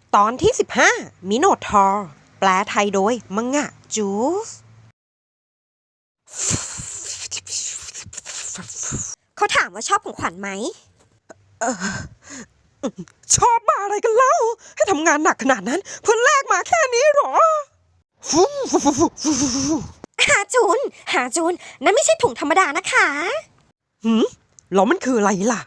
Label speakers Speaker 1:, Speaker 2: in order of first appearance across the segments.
Speaker 1: ตอนที่15มิโนทอร์แปลไทยโดยมังงะจูสเขาถามว่าชอบของขวัญไหมชอบมาอะไรกันเล่าให้ทำงานหนักขนาดนั้นเพื่อแลกมาแค่นี้หรอหาจูนนั่นไม่ใช่ถุงธรรมดานะคะแล้วมันคืออะไรล่ะ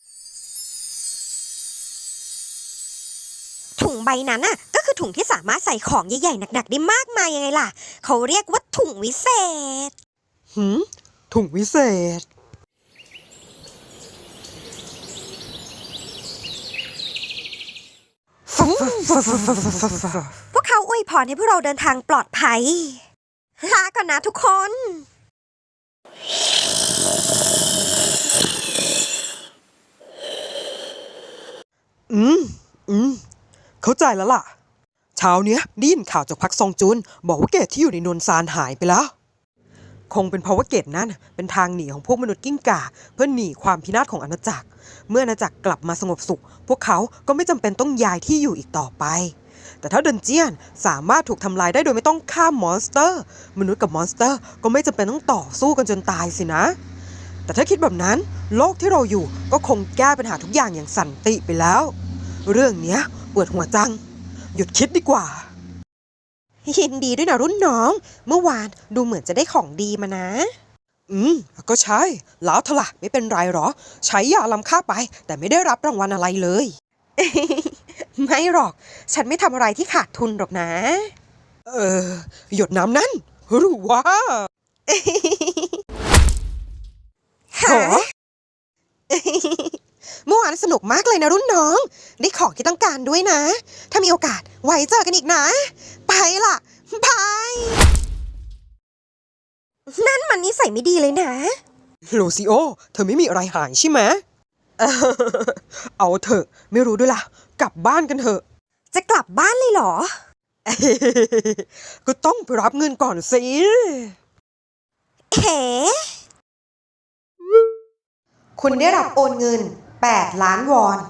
Speaker 1: ถุงใบนั้นน่ะก็คือถุงที่สามารถใส่ของใหญ่ๆหนักๆได้มากมายยังไงล่ะเขาเรียกว่าถุงวิเศษถุงวิเศษพวกเขาอวยพรให้พวกเราเดินทางปลอดภัยลาก่อนนะทุกคนเข้าใจแล้วล่ะเช้าเนี้ยได้ยินข่าวจากพักซองจุนบอกว่าเกตที่อยู่ในนนซานหายไปแล้วคงเป็นเพราะว่าเกตนั้นเป็นทางหนีของพวกมนุษย์กิ้งก่าเพื่อหนีความพินาศของอาณาจักรเมื่ออาณาจักรกลับมาสงบสุขพวกเขาก็ไม่จำเป็นต้องย้ายที่อยู่อีกต่อไปแต่ถ้าดันเจียนสามารถถูกทำลายได้โดยไม่ต้องฆ่ามอนสเตอร์มนุษย์กับมอนสเตอร์ก็ไม่จำเป็นต้องต่อสู้กันจนตายสินะแต่ถ้าคิดแบบนั้นโลกที่เราอยู่ก็คงแก้ปัญหาทุกอย่างอย่างสันติไปแล้วเรื่องเนี้ยปวดหัวจังหยุดคิดดีกว่ายินดีด้วยนะรุ่นน้องเมื่อวานดูเหมือนจะได้ของดีมานะก็ใช่แล้วเถอะล่ะไม่เป็นไรหรอใช้ยาล้ำค่าไปแต่ไม่ได้รับรางวัลอะไรเลย ไม่หรอกฉันไม่ทำอะไรที่ขาดทุนหรอกนะหยดน้ำนั่นหรือว่าฮะเมื่อวานสนุกมากเลยนะรุ่นน้องได้ของที่ต้องการด้วยนะถ้ามีโอกาสไว้เจอกันอีกนะไปล่ะบายนั่นมันนิสัยไม่ดีเลยนะโลซิโอเธอไม่มีอะไรหายใช่ไหมเอาเถอะไม่รู้ด้วยล่ะกลับบ้านกันเถอะจะกลับบ้านเลยเหรอ ก็ต้องไปรับเงินก่อนสิเฮ้คุณได้รับโอนเงิน8 ล้านวอน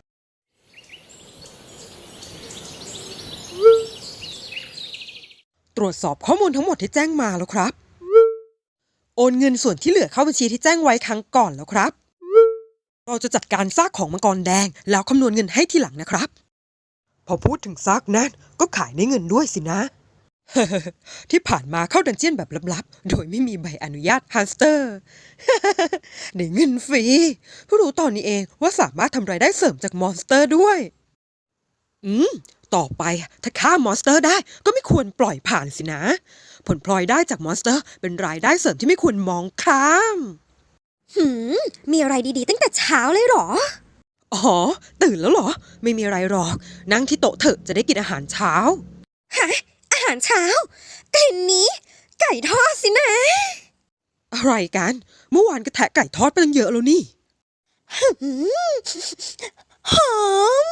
Speaker 1: ตรวจสอบข้อมูลทั้งหมดที่แจ้งมาแล้วครับโอนเงินส่วนที่เหลือเข้าบัญชีที่แจ้งไว้ครั้งก่อนแล้วครับเราจะจัดการซากของมังกรแดงแล้วคำนวณเงินให้ทีหลังนะครับพอพูดถึงซากนั้นก็ขายได้เงินด้วยสินะ ที่ผ่านมาเข้าดันเจี้ยนแบบลับๆโดยไม่มีใบอนุญาตฮันสเตอร์ ได้เงินฟรีเพิ่งรู้ตอนนี้เองว่าสามารถทำรายได้เสริมจากมอนสเตอร์ด้วยต่อไปถ้าฆ่ามอนสเตอร์ได้ก็ไม่ควรปล่อยผ่านสินะผลพลอยได้จากมอนสเตอร์เป็นรายได้เสริมที่ไม่ควรมองข้ามมีอะไรดีๆตั้งแต่เช้าเลยเหรออ๋อตื่นแล้วเหรอไม่มีอะไรหรอกนั่งที่โต๊ะเถอะจะได้กินอาหารเช้าฮะอาหารเช้ากลิ่นนี้ไก่ทอดสินะอะไรกันเมื่อวานก็แทะไก่ทอดไปตั้งเยอะแล้วนี่หอม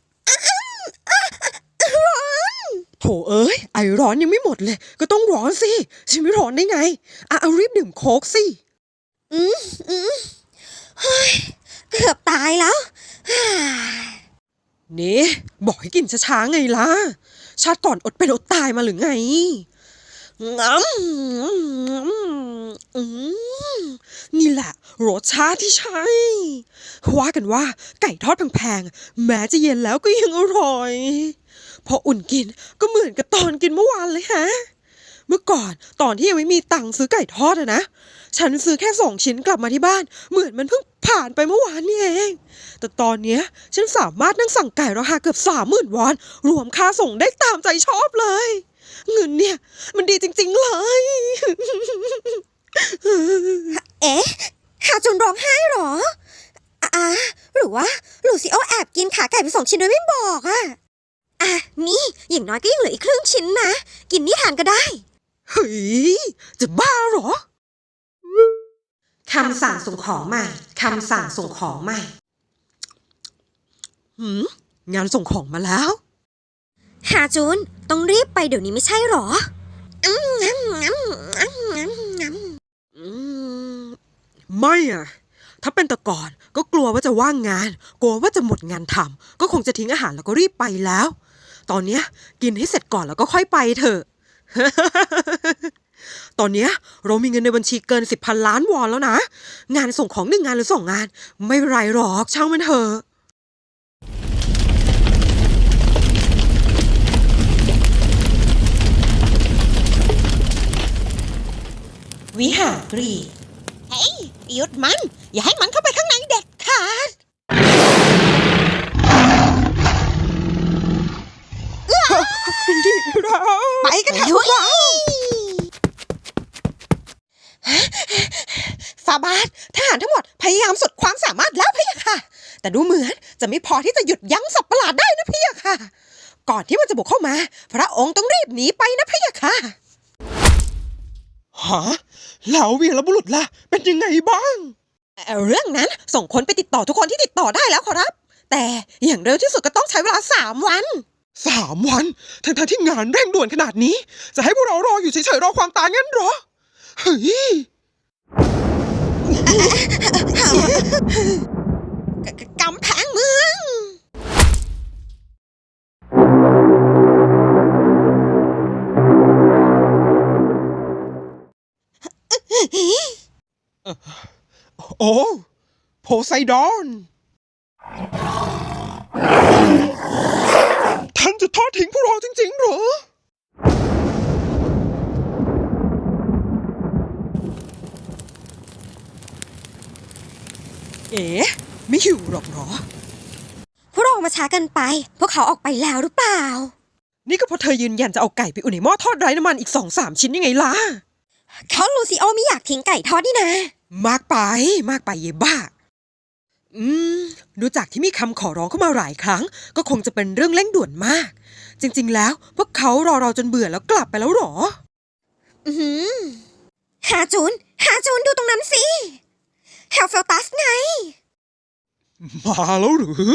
Speaker 1: ร้อนโถเอ้ยไอร้อนยังไม่หมดเลยก็ต้องร้อนสิฉันไม่ร้อนได้ไงเอารีบดื่มโค้กสิเกือบตายแล้วนี่บอกให้กินช้าๆไงล่ะชาติก่อนอดเป็นอดตายมาหรือไงนี่แหละรสชาติที่ใช่ว่ากันว่าไก่ทอดแพงๆแม้จะเย็นแล้วก็ยังอร่อยพออุ่นกินก็เหมือนกับตอนกินเมื่อวานเลยฮะเมื่อก่อนตอนที่ยังไม่มีตังค์ซื้อไก่ทอดนะฉันซื้อแค่2 ชิ้นกลับมาที่บ้านเหมือนมันเพิ่งผ่านไปเมื่อวานนี่เองแต่ตอนเนี้ยฉันสามารถนั่งสั่งไก่ราคาเกือบ30,000 วอนรวมค่าส่งได้ตามใจชอบเลยเงินเนี่ยมันดีจริงๆเลยเอ๊ะหาจนร้องไห้หรอหรือว่าลูซิโอแอบกินขาไก่ไป2 ชิ้นโดยไม่บอกนี่อย่างน้อยก็ยังเหลืออีกครึ่งชิ้นนะกินนี่ทานก็ได้เฮ้ยจะบ้าหรอคำสั่งส่งของใหม่คำสั่งส่งของใหม่งานส่งของมาแล้วหาจูนต้องรีบไปเดี๋ยวนี้ไม่ใช่หรอไม่ถ้าเป็นแต่ก่อนก็กลัวว่าจะว่างงานกลัวว่าจะหมดงานทำก็คงจะทิ้งอาหารแล้วก็รีบไปแล้วตอนเนี้ยกินให้เสร็จก่อนแล้วก็ค่อยไปเถอะ ตอนเนี้ยเรามีเงินในบัญชีเกิน10,000 ล้านวอนแล้วนะ งานส่งของ1 งานหรือ2 งาน ไม่เป็นไรหรอกช่างมันเถอะวิหารกรีกเฮ้ยหยุดมัน อย่าให้มันเข้าไปข้างในเด็ดขาดดีเราไปกันเถอะพวกเราฟาบาททหารทั้งหมดพยายามสุดความสามารถแล้วพี่ค่ะ แต่ดูเหมือนจะไม่พอที่จะหยุดยั้งสัตว์ประหลาดได้นะพี่ค่ะ ก่อนที่มันจะบุกเข้ามา พระองค์ต้องรีบหนีไปนะพี่ค่ะฮะแล้ววีรบุรุษล่ะเป็นยังไงบ้างเรื่องนั้นส่งคนไปติดต่อทุกคนที่ติดต่อได้แล้วครับ แต่อย่างเร็วที่สุดก็ต้องใช้เวลา3 วัน3 วันทั้งที่งานเร่งด่วนขนาดนี้จะให้พวกเรารออยู่เฉยๆรอความตายงั้นเหรอเฮ้ยกำแพงเมืองโอ้โพไซดอนท่านจะทอดทิ้งพวกเราจริงๆเหรอเอ๋ไม่หิวหรอกเหรอ
Speaker 2: พวกเรามาช้ากันไปพวกเขาออกไปแล้วหรือเปล่า
Speaker 1: นี่ก็เพราะเธอยืนยันจะเอาไก่ไปอุ่นในหม้อทอดไร้น้ำมันอีก2-3 ชิ้นยังไงล่ะ
Speaker 2: เขาลูซิโอไม่อยากทิ้งไก่ทอดนี่นะ
Speaker 1: มากไปเย่บ้าดูจากที่มีคำขอร้องเข้ามาหลายครั้งก็คงจะเป็นเรื่องเร่งด่วนมากจริงๆแล้วพวกเขารอเราจนเบื่อแล้วกลับไปแล้วหรอ
Speaker 2: ฮาจูนดูตรงนั้นสิเฮลเฟลตัสไง
Speaker 1: มาแล้วหรือ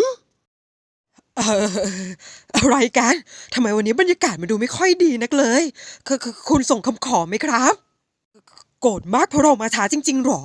Speaker 1: อะไรกันทำไมวันนี้บรรยากาศมันดูไม่ค่อยดีนักเลยคุณส่งคำขอไหมครับโกรธมากเพราะเรามาช้าจริงๆหรอ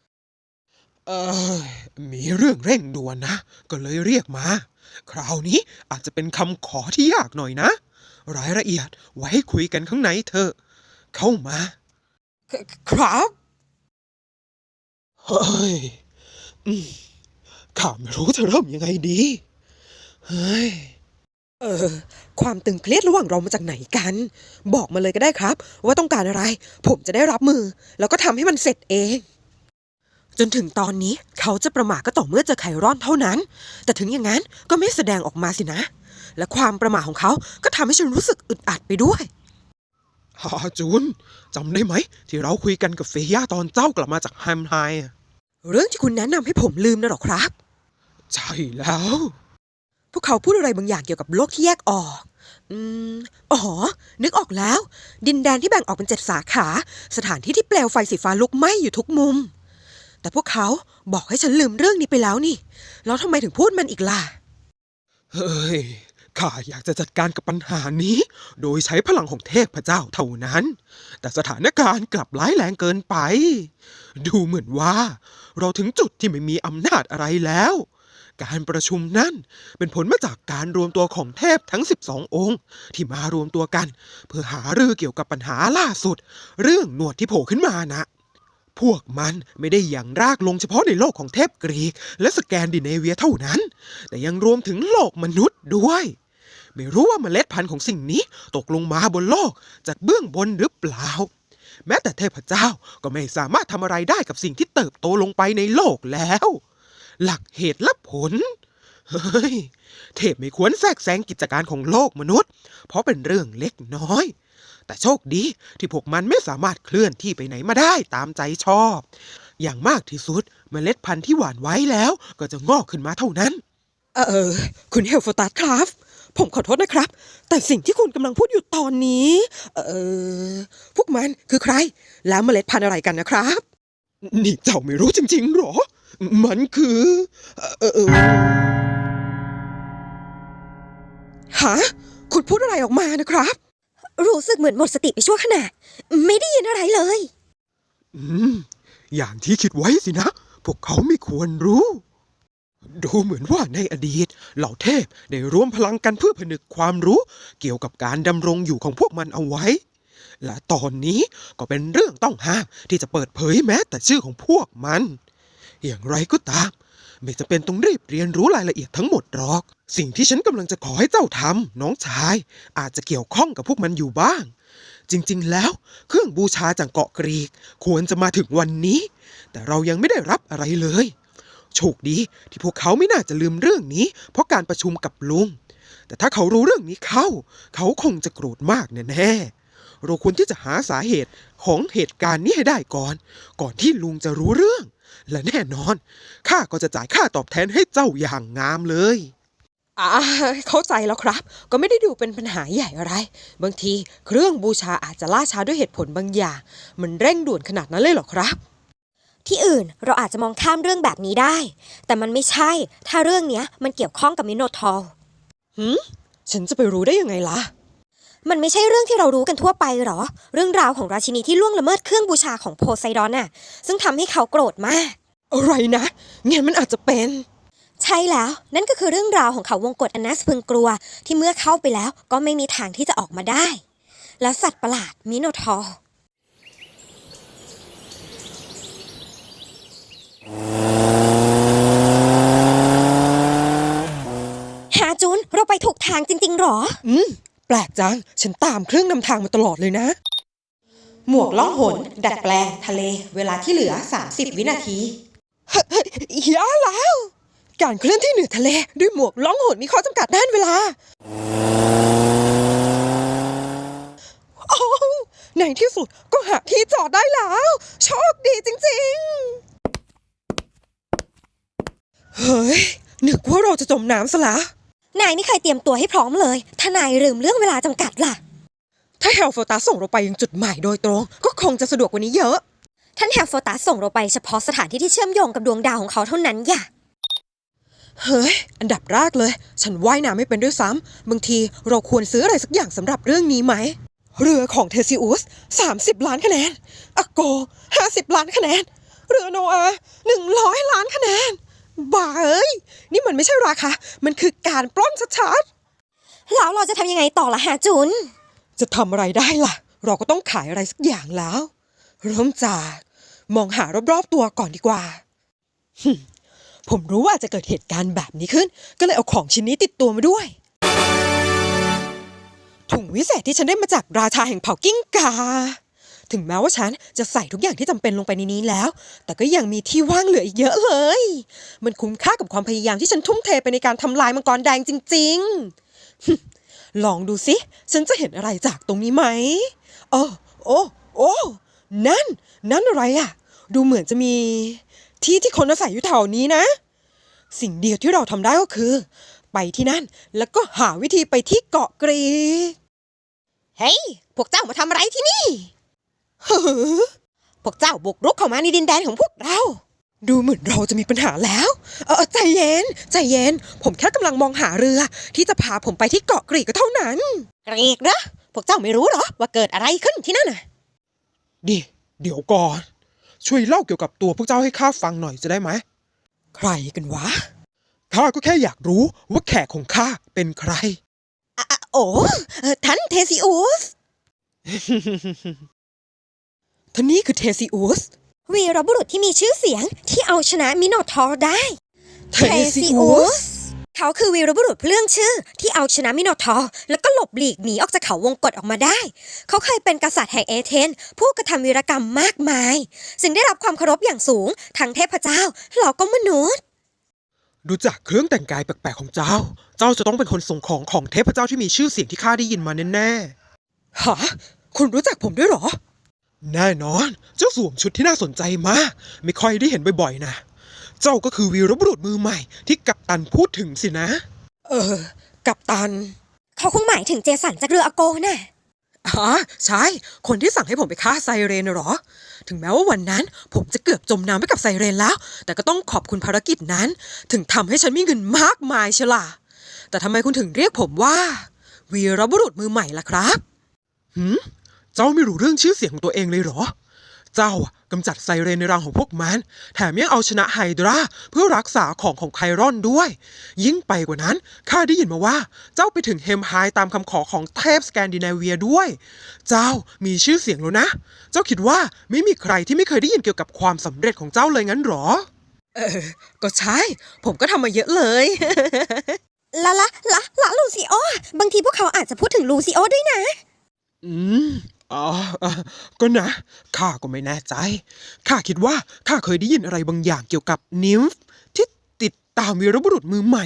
Speaker 1: มีเรื่องเร่งด่วนนะก็เลยเรียกมาคราวนี้อาจจะเป็นคำขอที่ยากหน่อยนะรายละเอียดไว้คุยกันข้างในเถอะเข้ามาครับเฮ้ยข้าไม่รู้จะเริ่มยังไงดีเฮ้ยความตึงเครียดระหว่างเรามาจากไหนกันบอกมาเลยก็ได้ครับว่าต้องการอะไรผมจะได้รับมือแล้วก็ทำให้มันเสร็จเองจนถึงตอนนี้เขาจะประมาทก็ต่อเมื่อเจอไครอนเท่านั้นแต่ถึงอย่างนั้นก็ไม่แสดงออกมาสินะและความประมาทของเขาก็ทำให้ฉันรู้สึกอึดอัดไปด้วยฮาจูนจำได้ไหมที่เราคุยกันกับเฟย่าตอนเจ้ากลับมาจากแฮมไฮเรื่องที่คุณแนะนำให้ผมลืมนะหรอครับใช่แล้วพวกเขาพูดอะไรบางอย่างเกี่ยวกับโลกที่แยกออกอ๋อนึกออกแล้วดินแดนที่แบ่งออกเป็น7 สาขาสถานที่ที่เปลวไฟสีฟ้าลุกไหม้อยู่ทุกมุมแต่พวกเขาบอกให้ฉันลืมเรื่องนี้ไปแล้วนี่แล้วทำไมถึงพูดมันอีกล่ะเฮ้ยข้าอยากจะจัดการกับปัญหานี้โดยใช้พลังของเทพเจ้าเท่านั้นแต่สถานการณ์กลับร้ายแรงเกินไปดูเหมือนว่าเราถึงจุดที่ไม่มีอำนาจอะไรแล้วการประชุมนั้นเป็นผลมาจากการรวมตัวของเทพทั้ง12 องค์ที่มารวมตัวกันเพื่อหารือเกี่ยวกับปัญหาล่าสุดเรื่องหนวดที่โผล่ขึ้นมานะพวกมันไม่ได้อย่างรากลงเฉพาะในโลกของเทพกรีกและสแกนดิเนเวียเท่านั้นแต่ยังรวมถึงโลกมนุษย์ด้วยไม่รู้ว่าเมล็ดพันธุ์ของสิ่งนี้ตกลงมาบนโลกจากเบื้องบนหรือเปล่าแม้แต่เทพเจ้าก็ไม่สามารถทำอะไรได้กับสิ่งที่เติบโตลงไปในโลกแล้วหลักเหตุและผลเฮ้ยเทพไม่ควรแทรกแซงกิจการของโลกมนุษย์เพราะเป็นเรื่องเล็กน้อยแต่โชคดีที่พวกมันไม่สามารถเคลื่อนที่ไปไหนมาได้ตามใจชอบอย่างมากที่สุดเมล็ดพันธุ์ที่หว่านไว้แล้วก็จะงอกขึ้นมาเท่านั้นคุณเฮลฟอร์ตัสครับผมขอโทษนะครับแต่สิ่งที่คุณกำลังพูดอยู่ตอนนี้พวกมันคือใครแล้วเมล็ดพันธุ์อะไรกันนะครับนี่เจ้าไม่รู้จริงๆหรอมันคือฮะคุณพูดอะไรออกมานะครับ
Speaker 2: รู้สึกเหมือนหมดสติไปชั่วขณะไม่ได้ยินอะไรเลย
Speaker 1: อย่างที่คิดไว้สินะพวกเขาไม่ควรรู้
Speaker 3: ดูเหมือนว่าในอดีตเหล่าเทพได้รวมพลังกันเพื่อผนึกความรู้เกี่ยวกับการดำรงอยู่ของพวกมันเอาไว้และตอนนี้ก็เป็นเรื่องต้องห้ามที่จะเปิดเผยแม้แต่ชื่อของพวกมันอย่างไรก็ตามไม่จำเป็นต้องรีบเรียนรู้รายละเอียดทั้งหมดหรอกสิ่งที่ฉันกำลังจะขอให้เจ้าทำน้องชายอาจจะเกี่ยวข้องกับพวกมันอยู่บ้างจริงๆแล้วเครื่องบูชาจากเกาะกรีกควรจะมาถึงวันนี้แต่เรายังไม่ได้รับอะไรเลยโชคดีที่พวกเขาไม่น่าจะลืมเรื่องนี้เพราะการประชุมกับลุงแต่ถ้าเขารู้เรื่องนี้เขาคงจะโกรธมากแน่ๆเราควรที่จะหาสาเหตุของเหตุการณ์นี้ให้ได้ก่อนที่ลุงจะรู้เรื่องและแน่นอนข้าก็จะจ่ายค่าตอบแทนให้เจ้าอย่างงามเลย
Speaker 1: เข้าใจแล้วครับก็ไม่ได้ดูเป็นปัญหาใหญ่อะไรบางทีเครื่องบูชาอาจจะล่าช้าด้วยเหตุผลบางอย่างมันเร่งด่วนขนาดนั้นเลยเหรอครับ
Speaker 2: ที่อื่นเราอาจจะมองข้ามเรื่องแบบนี้ได้ แต่มันไม่ใช่ถ้าเรื่องเนี้ยมันเกี่ยวข้องกับมิโนทอร์
Speaker 1: ฉันจะไปรู้ได้ยังไงล่ะ
Speaker 2: มันไม่ใช่เรื่องที่เรารู้กันทั่วไปหรอเรื่องราวของราชินีที่ล่วงละเมิดเครื่องบูชาของโพไซดอนน่ะซึ่งทำให้เขาโกรธมาก
Speaker 1: อะไรนะงั้นมันอาจจะเป็น
Speaker 2: ใช่แล้วนั่นก็คือเรื่องราวของเขาวงกฏอันน่าสะพรึงกลัวที่เมื่อเข้าไปแล้วก็ไม่มีทางที่จะออกมาได้ และสัตว์ประหลาดมิโนทอร์ฮาจุนเราไปถูกทางจริงๆหรอ
Speaker 1: แปลกจังฉันตามเครื่องนำทางมาตลอดเลยนะ หมวกล่องหนดัดแปลงทะเลเวลาที่เหลือ30 วินาทียาแล้ว การเคลื่อนที่เหนือทะเลด้วยหมวกล่องหนมีข้อจำกัดด้านเวลาโอ้ในที่สุดก็หาที่จอดได้แล้วโชคดีจริงๆเฮ้ยนึกว่าเราจะจมน้ำซะละ
Speaker 2: นายไม่เคยเตรียมตัวให้พร้อมเลยถ้านายลืมเรื่องเวลาจำกัดล่ะ
Speaker 1: ถ้าเฮลโฟตาส่งเราไปยังจุดหมายโดยตรงก็คงจะสะดวกกว่านี้เยอะ
Speaker 2: ท่านแฮลโฟตัสส่งเราไปเฉพาะสถานที่ที่เชื่อมโยงกับดวงดาวของเขาเท่านั้นอย่า
Speaker 1: เฮ้ยอันดับแรกเลยฉันว่ายน้ำไม่เป็นด้วยซ้ำบางทีเราควรซื้ออะไรสักอย่างสำหรับเรื่องนี้ไหมเรือของเทซิอุส30 ล้านคะแนนอโก50 ล้านคะแนนเรือโนอา100 ล้านคะแนนบ้าเอ้ยนี่มันไม่ใช่ราคามันคือการปล้นชัด
Speaker 2: แล้วเราจะทำยังไงต่อล่ะฮะจุน
Speaker 1: ๆจะทำอะไรได้ล่ะเราก็ต้องขายอะไรสักอย่างแล้วเริ่มจากมองหารอบๆตัวก่อนดีกว่า ผมรู้ว่าจะเกิดเหตุการณ์แบบนี้ขึ้นก็เลยเอาของชิ้นนี้ติดตัวมาด้วยถุงวิเศษที่ฉันได้มาจากราชาแห่งเผ่ากิ้งกาถึงแม้ว่าฉันจะใส่ทุกอย่างที่จำเป็นลงไปในนี้แล้วแต่ก็ยังมีที่ว่างเหลืออีกเยอะเลยมันคุ้มค่ากับความพยายามที่ฉันทุ่มเทไปในการทำลายมังกรแดงจริงๆ ลองดูสิฉันจะเห็นอะไรจากตรงนี้ไหมโอ้นั่นอะไรอะดูเหมือนจะมีที่คนอาศัยอยู่แถวนี้นะสิ่งเดียวที่เราทำได้ก็คือไปที่นั่นแล้วก็หาวิธีไปที่เกาะกรีกเฮ้ยพวกเจ้ามาทำอะไรที่นี่พวกเจ้าบุกรุกเข้ามาในดินแดนของพวกเราดูเหมือนเราจะมีปัญหาแล้วใจเย็นผมแค่กำลังมองหาเรือที่จะพาผมไปที่เกาะกรีกก็เท่านั้นกรีกเหรอพวกเจ้าไม่รู้เหรอว่าเกิดอะไรขึ้นที่นั่นน่ะ
Speaker 3: เดี๋ยวก่อนช่วยเล่าเกี่ยวกับตัวพวกเจ้าให้ข้าฟังหน่อยจะได้ไหม
Speaker 1: ใครกันวะ
Speaker 3: ข้าก็แค่อยากรู้ว่าแขกของข้าเป็นใคร
Speaker 1: ท่านเทซิอุส ท่านนี้คือเทซิอุส
Speaker 2: วีรบุรุษที่มีชื่อเสียงที่เอาชนะมิโนทอร์ได้
Speaker 1: เทซิอุส
Speaker 2: เขาคือวีรบุรุษเรื่องชื่อที่เอาชนะมิโนทอร์แล้วก็หลบหลีกหนีออกจากเขาวงกฏออกมาได้เขาเคยเป็นกษัตริย์แห่งเอเธนผู้กระทำวีรกรรมมากมายจึงได้รับความเคารพอย่างสูงทั้งเทพเจ้าแล้วก็มนุษย์
Speaker 3: ดูจากเครื่องแต่งกายแปลกๆของเจ้าจะต้องเป็นคนส่งของเทพเจ้าที่มีชื่อเสียงที่ข้าได้ยินมาแน่
Speaker 1: ๆฮะคุณรู้จักผมด้วยเหรอ
Speaker 3: แน่นอนเจ้าสวมชุดที่น่าสนใจมากไม่ค่อยได้เห็นบ่อยๆนะเจ้าก็คือวีรบุรุษมือใหม่ที่กัปตันพูดถึงสินะ
Speaker 1: กัปตัน
Speaker 2: เขาคงหมายถึงเจสันจากเรืออโกน่ะ
Speaker 1: ใช่คนที่สั่งให้ผมไปฆ่าไซเรนน่ะเหรอถึงแม้ว่าวันนั้นผมจะเกือบจมน้ำไปกับไซเรนแล้วแต่ก็ต้องขอบคุณภารกิจนั้นถึงทำให้ฉันมีเงินมากมายเชียวล่ะแต่ทำไมคุณถึงเรียกผมว่าวีรบุรุษมือใหม่ล่ะครับ
Speaker 3: เจ้าไม่รู้เรื่องชื่อเสียงของตัวเองเลยเหรอเจ้ากำจัดไซเรนในรังของพวกมันแถมยังเอาชนะไฮดราเพื่อรักษาของไครอนด้วย ยิ่งไปกว่านั้นข้าได้ยินมาว่าเจ้าไปถึงเฮมไฮตามคำขอของเทพสแกนดิเนเวียด้วย เจ้ามีชื่อเสียงแล้วนะ เจ้าคิดว่าไม่มีใครที่ไม่เคยได้ยินเกี่ยวกับความสำเร็จของเจ้าเลยงั้นหรอ
Speaker 1: ก็ใช่ ผมก็ทำมาเยอะเลย
Speaker 2: ละลูซิโอบางทีพวกเขาอาจจะพูดถึงลูซิโอด้วยนะ
Speaker 3: อืมอ๋อก็นะข้าก็ไม่แน่ใจข้าคิดว่าข้าเคยได้ยินอะไรบางอย่างเกี่ยวกับนิมฟ์ที่ติดตามวีรบุรุษมือใหม่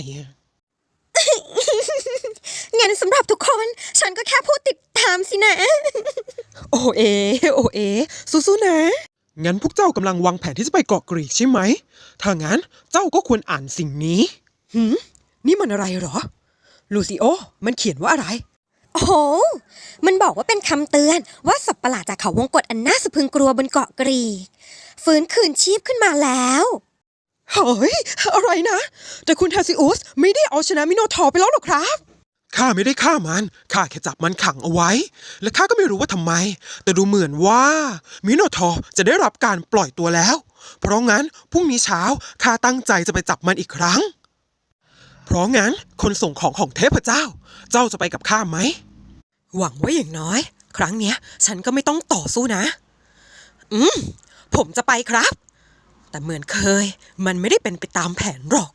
Speaker 2: งั้นสำหรับทุกคนฉันก็แค่พูดติดตามสินะ
Speaker 1: โอเอสู้ๆนะ
Speaker 3: งั้นพวกเจ้ากำลังวางแผนที่จะไปเกาะกรีกใช่ไหม ถ้างั้นเจ้าก็ควรอ่านสิ่งนี้
Speaker 1: นี่มันอะไรเหรอ ลูซิโอ มันเขียนว่าอะไร
Speaker 2: โอ้โห มันบอกว่าเป็นคำเตือนว่าสัตว์ประหลาดจากเขาวงกฏอันน่าสะพรึงกลัวบนเกาะกรีกฟื้นคืนชีพขึ้นมาแล้ว
Speaker 1: เฮ้ย อะไรนะ แต่คุณเทซิอุสไม่ได้เอาชนะมิโนทอร์ไปแล้วหรอครับ
Speaker 3: ข้าไม่ได้ฆ่ามัน ข้าแค่จับมันขังเอาไว้ และข้าก็ไม่รู้ว่าทำไม แต่ดูเหมือนว่ามิโนทอร์จะได้รับการปล่อยตัวแล้ว เพราะงั้นพรุ่งนี้เช้าข้าตั้งใจจะไปจับมันอีกครั้ง เพราะงั้นคนส่งของเทพเจ้า เจ้าจะไปกับข้าไหม
Speaker 1: หวังว่าอย่างน้อย ครั้งเนี้ย ฉันก็ไม่ต้องต่อสู้นะ ผมจะไปครับ แต่เหมือนเคย มันไม่ได้เป็นไปตามแผนหรอก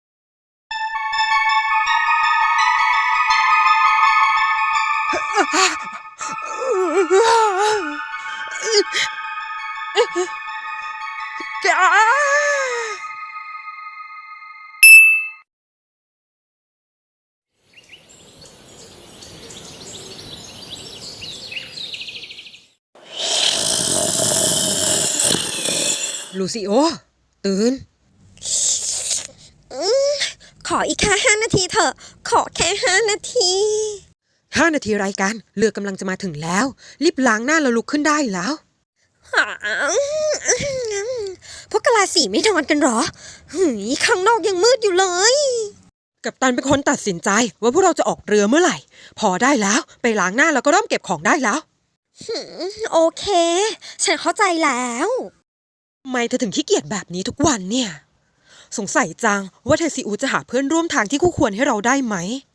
Speaker 1: ลูซิโอ ตื่น
Speaker 2: ขออีกแค่5 นาทีเถอะ ขอแค่5 นาที
Speaker 1: 5 นาทีไรกัน เรือกำลังจะมาถึงแล้ว รีบล้างหน้าแล้วลุกขึ้นได้แล้ว
Speaker 2: พวกกะลาสีไม่นอนกันหรอข้างนอกยังมืดอยู่เลย
Speaker 1: กัปตันเป็นคนตัดสินใจว่าพวกเราจะออกเรือเมื่อไหร่ พอได้แล้ว ไปล้างหน้าแล้วก็เริ่มเก็บของได้แล้ว
Speaker 2: โอเค ฉันเข้าใจแล้ว
Speaker 1: ทำไมเธอถึงขี้เกียจแบบนี้ทุกวันเนี่ย สงสัยจังว่าเทซิอูจะหาเพื่อนร่วมทางที่คู่ควรให้เราได้ไหม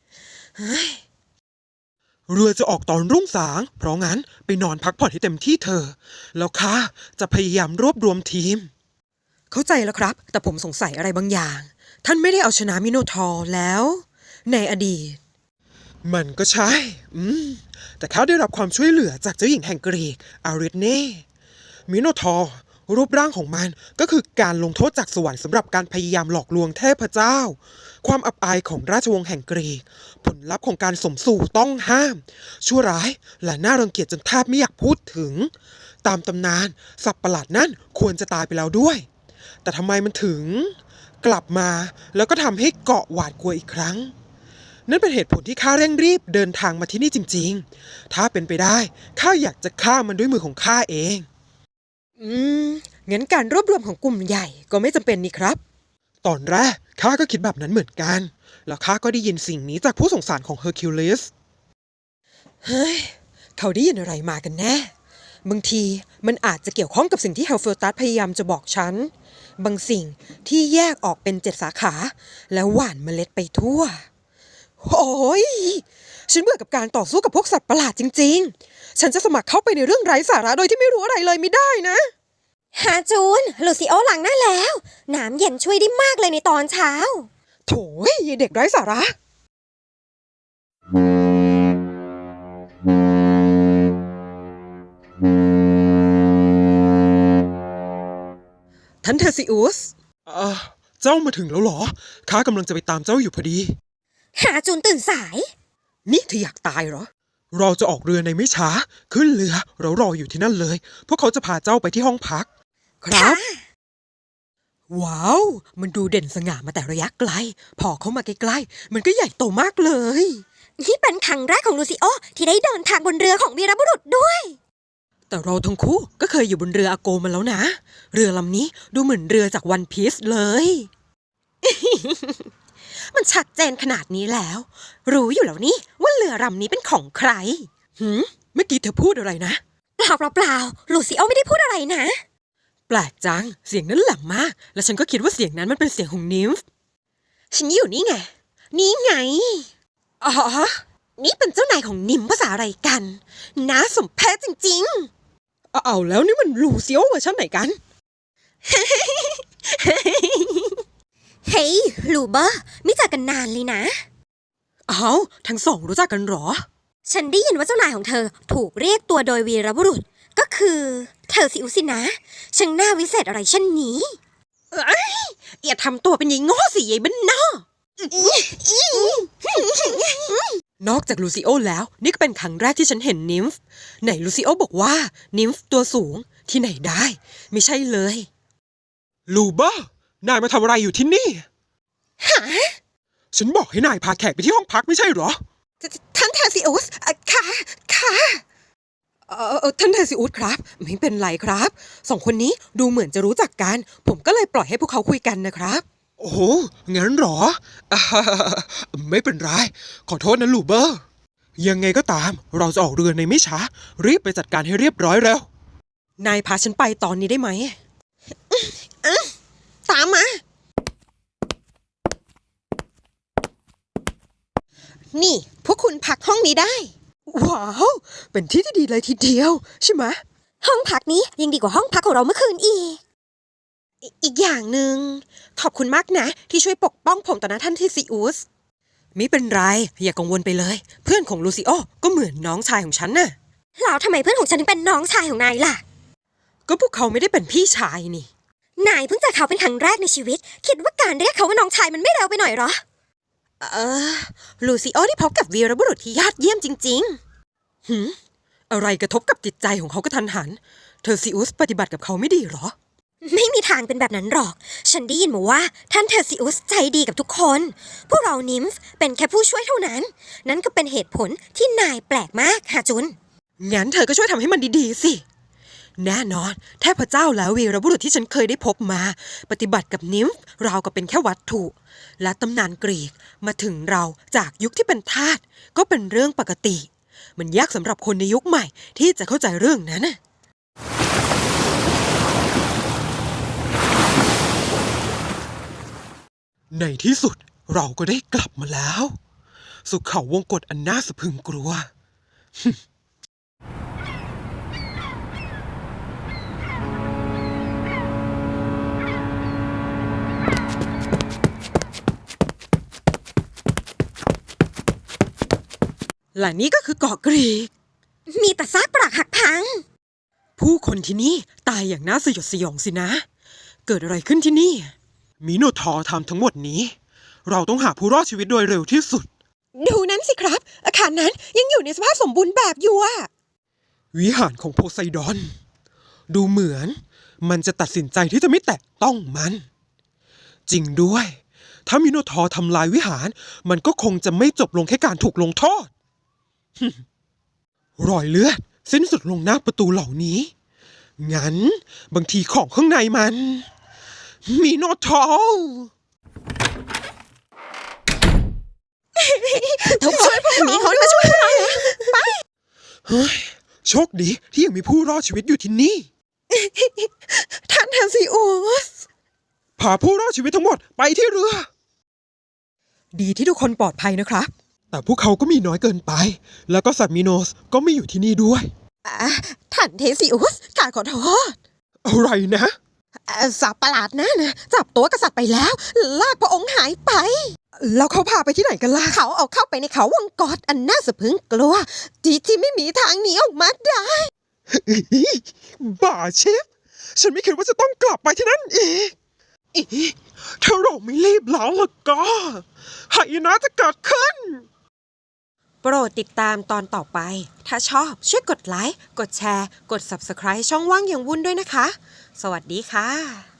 Speaker 3: เรือจะออกตอนรุ่งสาง เพราะงั้นไปนอนพักผ่อนให้เต็มที่เธอ แล้วข้าจะพยายามรวบรวมทีม
Speaker 1: เข้าใจแล้วครับ แต่ผมสงสัยอะไรบางอย่าง ท่านไม่ได้เอาชนะมิโนทอร์แล้ว ในอดีต
Speaker 3: มันก็ใช่ แต่เขาได้รับความช่วยเหลือจากเจ้าหญิงแห่งกรีกอาริธเน่มิโนทอร์รูปร่างของมันก็คือการลงโทษจากสวรรค์สำหรับการพยายามหลอกลวงเทพเจ้า ความอับอายของราชวงศ์แห่งกรีก ผลลัพธ์ของการสมสู่ต้องห้าม ชั่วร้ายและน่ารังเกียจจนแทบไม่อยากพูดถึง ตามตำนานสัตว์ประหลาดนั่นควรจะตายไปแล้วด้วย แต่ทำไมมันถึงกลับมาแล้วก็ทำให้เกาะหวาดกลัวอีกครั้ง นั่นเป็นเหตุผลที่ข้าเร่งรีบเดินทางมาที่นี่จริงๆ ถ้าเป็นไปได้ข้าอยากจะฆ่ามันด้วยมือของข้าเอง
Speaker 1: งั้นการรวบรวมของกลุ่มใหญ่ก็ไม่จำเป็นนี่ครับ
Speaker 3: ตอนแรกข้าก็คิดแบบนั้นเหมือนกัน แล้วข้าก็ได้ยินสิ่งนี้จากผู้สงสารของเฮอร์คิวลิส
Speaker 1: เฮ้ย เขาได้ยินอะไรมากันแน่ บางทีมันอาจจะเกี่ยวข้องกับสิ่งที่เฮลเฟอร์ตัสพยายามจะบอกฉัน บางสิ่งที่แยกออกเป็น7 สาขา แล้วหว่านเมล็ดไปทั่ว โอ้ย ฉันเบื่อกับการต่อสู้กับพวกสัตว์ประหลาดจริงๆ ฉันจะสมัครเข้าไปในเรื่องไร้สาระโดยที่ไม่รู้อะไรเลยไม่ได้นะ
Speaker 2: ฮาจูน ลูซิโอล้างหน้าแล้ว น้ำเย็นช่วยได้มากเลยในตอนเช้า
Speaker 1: โถ่ยเด็กไร้สาระ ท่านเทซิอุส
Speaker 3: เจ้ามาถึงแล้วเหรอ ข้ากำลังจะไปตามเจ้าอยู่พอดี
Speaker 2: ฮาจูนตื่นสาย
Speaker 1: นี่เธออยากตายเหรอ
Speaker 3: เราจะออกเรือในไม่ช้า ขึ้นเรือเรารออยู่ที่นั่นเลย พวกเขาจะพาเจ้าไปที่ห้องพัก
Speaker 1: ครับ ว้าว มันดูเด่นสง่ามาแต่ระยะไกล พอเข้ามาใกล้ๆ มันก็ใหญ่โตมากเลย
Speaker 2: นี่เป็นครั้งแรกของลูซิโอที่ได้เดินทางบนเรือของวีรบุรุษด้วย
Speaker 1: แต่เราทั้งคู่ก็เคยอยู่บนเรืออาโกมาแล้วนะ เรือลำนี้ดูเหมือนเรือจากวันพีซเลย มันชัดเจนขนาดนี้แล้ว รู้อยู่แล้วนี่ว่าเรือลำนี้เป็นของใครเมื่อกี้เธอพูดอะไรนะ
Speaker 2: เปล่าลูซิโอไม่ได้พูดอะไรนะ
Speaker 1: แปลกจัง เสียงนั้นแหลมมาก และฉันก็คิดว่าเสียงนั้นมันเป็นเสียงของนิมฟ์
Speaker 2: ฉันอยู่นี่ไง นี่ไง
Speaker 1: อ๋อ
Speaker 2: นี่เป็นเจ้านายของนิมภาษาอะไรกันน่าสมเพชจริง
Speaker 1: เอาแล้วนี่มันลูซิโอเวอร์ชันไหนกัน
Speaker 2: ๆ เฮ้ยลูเบอร์ไม่เจอกันนานเลยนะ
Speaker 1: เอาทั้งสองรู้จักกันเหรอ
Speaker 2: ฉันได้ยินว่าเจ้านายของเธอถูกเรียกตัวโดยวีรบุรุษ ก็คือเธอสิอุสินะช่างหน้าวิเศษอะไรเช่นนี้
Speaker 1: อย่าทำตัวเป็นยายโง่สิยายบ้านนอกนอกจากลูซิโอแล้ว นี่ก็เป็นครั้งแรกที่ฉันเห็นนิมฟ์ไหนลูซิโอบอกว่านิมฟ์ตัวสูงที่ไหนได้ ไม่ใช่เลย
Speaker 3: ลูเบอร์นายมาทำอะไรอยู่ที่นี่ ฉันบอกให้นายพาแขกไปที่ห้องพักไม่ใช่เหรอ
Speaker 1: ท่านเทซิอุสค่ะท่านเทซิอุสครับ ไม่เป็นไรครับสองคนนี้ดูเหมือนจะรู้จักกัน ผมก็เลยปล่อยให้พวกเขาคุยกันนะครับ
Speaker 3: โอ้โหงั้นเหรอ ไม่เป็นไร ขอโทษนะลูเบอร์ ยังไงก็ตาม เราจะออกเรือในไม่ช้า รีบไปจัดการให้เรียบร้อยแล้ว
Speaker 1: นายพาฉันไปตอนนี้ได้ไหม
Speaker 2: ตามมา นี่พวกคุณพักห้องนี้ได้
Speaker 1: ว้าว เป็นที่ที่ดีเลยทีเดียว ใช่ไหม
Speaker 2: ห้องพักนี้ยังดีกว่าห้องพักของเราเมื่อคืนอีก อีกอย่างหนึ่งขอบคุณมากนะ ที่ช่วยปกป้องผมต่อหน้าท่านที่ซีอุส
Speaker 1: ไม่เป็นไร อย่ากังวลไปเลย เพื่อนของลูซิโอก็เหมือนน้องชายของฉันน่ะ
Speaker 2: แล้วทำไมเพื่อนของฉันถึงเป็นน้องชายของนายล่ะ
Speaker 1: ก็พวกเขาไม่ได้เป็นพี่ชายนี่
Speaker 2: นายเพิ่งเจอเขาเป็นครั้งแรกในชีวิต คิดว่าการเรียกเขาว่าน้องชายมันไม่เร็วไปหน่อยเหรอ
Speaker 1: ลูซิโอได้พบกับวีรบุรุษที่ยอดเยี่ยมจริงๆอะไรกระทบกับจิตใจของเขากระทันหัน เธอซิอุสปฏิบัติกับเขาไม่ดีเหรอ
Speaker 2: ไม่มีทางเป็นแบบนั้นหรอก ฉันได้ยินมาว่าท่านเทอร์ซิอุสใจดีกับทุกคน พวกเรานิมฟ์เป็นแค่ผู้ช่วยเท่านั้น นั่นก็เป็นเหตุผลที่นายแปลกมากฮาจุน
Speaker 1: งั้นเธอก็ช่วยทำให้มันดีๆสิ แน่นอนเทพเจ้าแล้ววีรบุรุษที่ฉันเคยได้พบมา ปฏิบัติกับนิมฟ์ราวกับเป็นแค่วัตถุ และตำนานกรีกมาถึงเราจากยุคที่เป็นทาสก็เป็นเรื่องปกติ มันยากสำหรับคนในยุคใหม่ที่จะเข้าใจเรื่องนั้นน่ะ
Speaker 3: ในที่สุดเราก็ได้กลับมาแล้ว สู่เขาวงกฏอันน่าสะพรึงกลัว
Speaker 1: และนี่ก็คือเกาะกรีก
Speaker 2: มีแต่ซากปรักหักพัง
Speaker 1: ผู้คนที่นี่ตายอย่างน่าสยดสยองสินะ เกิดอะไรขึ้นที่นี่
Speaker 3: มิโนทอร์ทำทั้งหมดนี้ เราต้องหาผู้รอดชีวิตโดยเร็วที่สุด
Speaker 1: ดูนั้นสิครับ อาคารนั้นยังอยู่ในสภาพสมบูรณ์แบบอยู่อะ
Speaker 3: วิหารของโพไซดอน ดูเหมือนมันจะตัดสินใจที่จะไม่แตะต้องมัน จริงด้วย ถ้ามิโนทอร์ทำลายวิหาร มันก็คงจะไม่จบลงแค่การถูกลงโทษ รอยเลือดสิ้นสุดลงหน้าประตูเหล่านี้ งั้นบางทีของข้างในมันมิโนทอร์
Speaker 2: ทุกคนมีคนมาช่วยเรา
Speaker 3: เฮ้ยโชคดีที่ยังมีผู้รอดชีวิตอยู่ที่นี่
Speaker 1: ท่านเทซิอุส
Speaker 3: พาผู้รอดชีวิตทั้งหมดไปที่เรือ
Speaker 1: ดีที่ทุกคนปลอดภัยนะครับ
Speaker 3: แต่พวกเขาก็มีน้อยเกินไป แล้วก็สัตว์มิโนสก็ไม่อยู่ที่นี่ด้วย
Speaker 1: ท่านเทซิอุสข้าขอโทษ
Speaker 3: อะไรนะ
Speaker 1: สัตว์ประหลาดนั่นนะจับตัวกษัตริย์ไปแล้ว ลากพระองค์หายไป แล้วเขาพาไปที่ไหนกันล่ะ
Speaker 2: เขาเอาเข้าไปในเขาวงกฏอันน่าสะพรึงกลัวที่ไม่มีทางหนีออกมาได้
Speaker 3: บ้าเชฟ ฉันไม่คิดว่าจะต้องกลับไปที่นั่นอีกถ้าเราไม่รีบแล้วล่ะก็หายนะจะเกิดขึ้น
Speaker 1: โปรดติดตามตอนต่อไป ถ้าชอบช่วยกดไลค์ กดแชร์ กด Subscribe ช่องว่างอย่างวุ่นด้วยนะคะ สวัสดีค่ะ